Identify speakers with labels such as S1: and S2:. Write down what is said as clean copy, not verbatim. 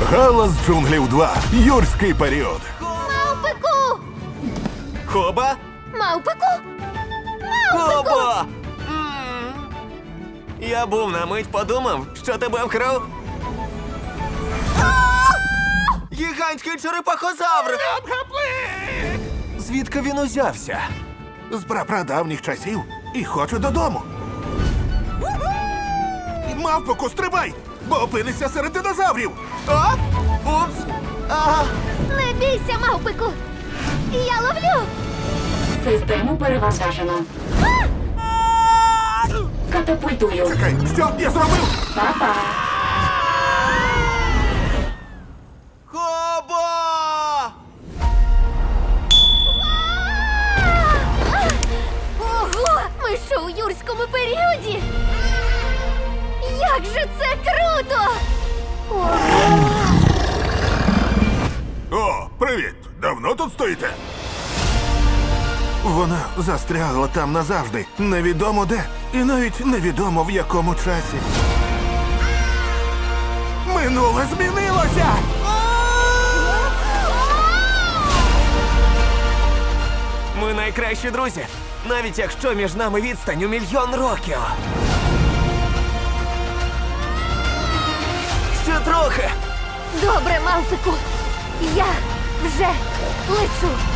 S1: Галас джунглів 2. Юрський період.
S2: Мавпику!
S3: Хоба?
S2: Мавпику!
S3: Хоба! Я був на мить подумав, що тебе вкрав. Гігантський черепахозавр! Звідки він узявся?
S1: З прапрадавніх часів. І хочу додому. Мавпоку, стрибай! Бо опинишся серед динозаврів!
S3: А? Упс! Ага.
S2: Не бійся, мавпику! Я ловлю!
S4: Систему перевантажено. Катапультую.
S1: Чекай, що я зробив?
S4: Па-па.
S3: Хоба!
S2: Ого! Ми що у юрському періоді? Як же це круто! Ого!
S1: О, привіт! Давно тут стоїте? Вона застрягла там назавжди. Невідомо де. І навіть невідомо в якому часі. Минуле змінилося!
S3: Ми найкращі друзі, навіть якщо між нами відстань у 1 мільйон років. Ще трохи.
S2: Добре, мавпику! Я вже лечу!